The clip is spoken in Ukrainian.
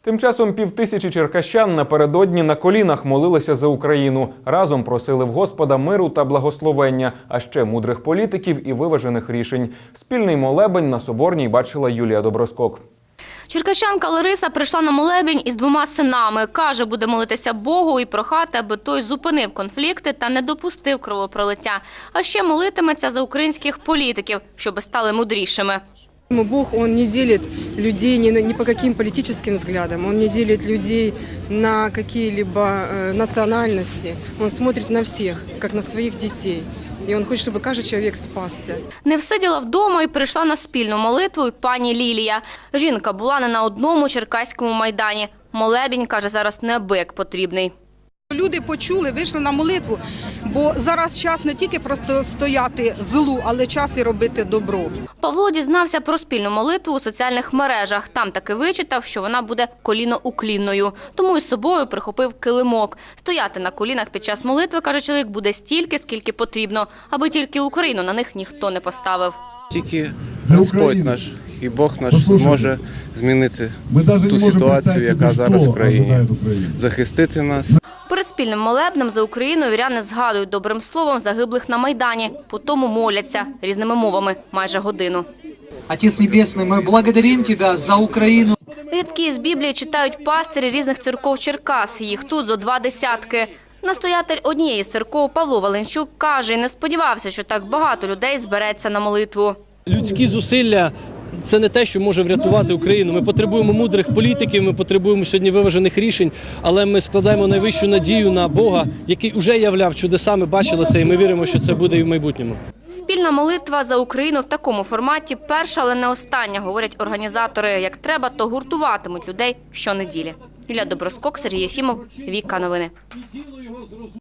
Тим часом 5000 черкащан напередодні на колінах молилися за Україну. Разом просили в Господа миру та благословення, а ще мудрих політиків і виважених рішень. Спільний молебень на Соборній бачила Юлія Доброскок. Черкащанка Лариса прийшла на молебень із 2 синами. Каже, буде молитися Богу і прохати, аби той зупинив конфлікти та не допустив кровопролиття. А ще молитиметься за українських політиків, щоби стали мудрішими. Бог, Он не делит людей ни по каким политическим взглядам, Он не делит людей на какие-либо национальности. Он смотрит на всех, как на своих детей. І він хоче, щоб кожен чоловік спасся. Не всиділа вдома і прийшла на спільну молитву й пані Лілія. Жінка була не на одному черкаському майдані. Молебень, каже, зараз неабияк потрібний. Люди почули, вийшли на молитву, бо зараз час не тільки просто стояти злу, але час і робити добро. Павло дізнався про спільну молитву у соціальних мережах. Там таки вичитав, що вона буде коліноуклінною. Тому із собою прихопив килимок. Стояти на колінах під час молитви, каже чоловік, буде стільки, скільки потрібно, аби тільки Україну на них ніхто не поставив. Тільки Господь наш і Бог наш може змінити ту ситуацію, яка зараз в країні, захистити нас. Перед спільним молебнем за Україну віряни згадують добрим словом загиблих на Майдані. Потім моляться різними мовами майже годину. Отець Небесний, ми благодаримо Тебе за Україну. Рядки з Біблії читають пастирі різних церков Черкас. Їх тут зо 20. Настоятель однієї з церков Павло Валенчук каже, і не сподівався, що так багато людей збереться на молитву. Людські зусилля – це не те, що може врятувати Україну. Ми потребуємо мудрих політиків, ми потребуємо сьогодні виважених рішень, але ми складаємо найвищу надію на Бога, який уже являв чудеса, ми бачили це і ми віримо, що це буде і в майбутньому. Спільна молитва за Україну в такому форматі перша, але не остання, говорять організатори. Як треба, то гуртуватимуть людей щонеділі. Юлія Доброскок, Сергій Єфімов, Віка Новини.